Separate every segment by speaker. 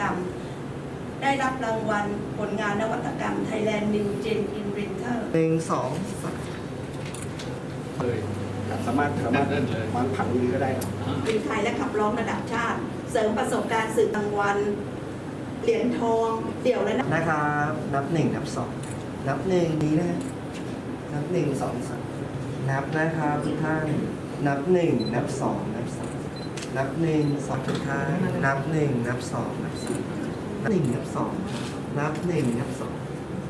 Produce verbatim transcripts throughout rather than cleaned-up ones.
Speaker 1: รรมได้รับรางวัลผลงานนวัตกรรม Thailand New Gen Inventor
Speaker 2: หนึ่งสองสาม
Speaker 3: เลยสามารถสามารถวางผังนี้ก็ได้ครับ
Speaker 1: ปีไทยและขับร้องระดับชาติ เสริมประสบการณ์สื่อรางวัลเหรียญทองเดี่ยวและนะ
Speaker 2: นะครับนับหนึ่งนับสองนับหนึ่งนี้นะนับหนึ่งสองสามนับนะครับทุกท่านนับหนึ่งนับสองนับสามนับหนึ่งสองทุกท่านนับหนึ่งนับสองนับสามนับหนึ่งนับสองนับหนึ่งนับสอง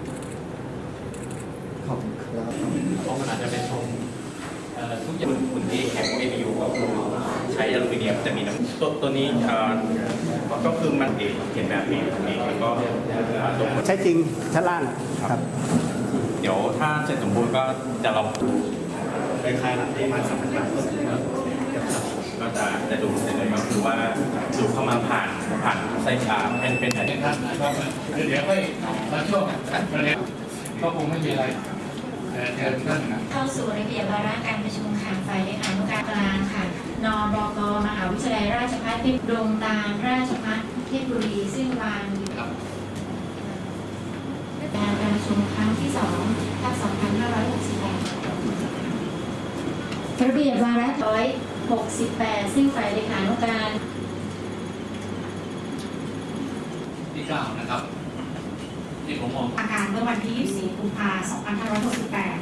Speaker 2: ขอบคุณครับ
Speaker 4: เพราะมันอาจจะเป็นทรงเอ่อทุกอย่างคุณที่แข็ง เอ พี ยู ก็คือใช้อลูมิเนียมจะมีน้ำตัวตัวนี้เอ่อก็คือมันเองเขียนแบบเองตรงนี้แล้วก็เอ่อตรง
Speaker 3: ใช้จริงชั้นล่างครับ
Speaker 4: เดี๋ยวถ้าเสร็จสมบูรณ์ก็จะลอง
Speaker 3: คล้ายๆหลังที่มาสัมผัสได้
Speaker 4: ก็จะจะดูเสร็จเลยก็คือว่าดูเข้ามาผ่านผ่านไส้ชาเป็นเป็นแผ่น
Speaker 5: ครับเดี๋ยวค่อยมาช่วงประเด็นก็คงไม่มีอะไรแต่เชิญท่าน
Speaker 6: เข้าสู่ระเบียบวาระการประชุมค่ะฝ่ายเลขานุการกลางค่ะนบกมหาวิทยาลัยราชภัฏเพชรดงตาลราชภัฏเพชรบุรีซึ่งวางอยู่การประชุมครั้งที่สองทับสองพันห้าร้อยหกสิบแปดระเบียบวาระร้อยหกสิบแปดซึ่งฝ่ายเลขานุการ
Speaker 5: ที่เก้านะครับ ที่ผมมอง
Speaker 6: อาการเมื่อวันที่ยี่สิบสี่กุมภาพันธ์สองพันห้าร้อยหกสิบแปด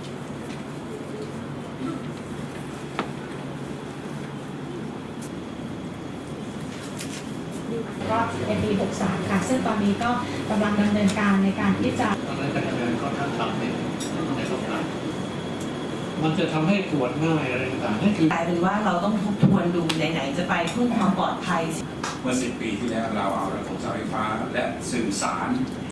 Speaker 6: ก็ในปีหกสามค่ะซึ่งตอนนี้ก็กำลังดำเนินการในการที่จะ
Speaker 5: ตอนนั้นการเงินค่อนข้างต่ำเนี่ยในสงครามมันจะทำให้ตรวจง่ายอะไรต่างๆนั่นคือก
Speaker 7: ลายเป็นว่าเราต้องทบทวนดูไหนๆจะไปเพื่อความปลอดภัย
Speaker 8: เมื่อสิบปีที่แล้วเราเอาระบบไฟฟ้าและสื่อสาร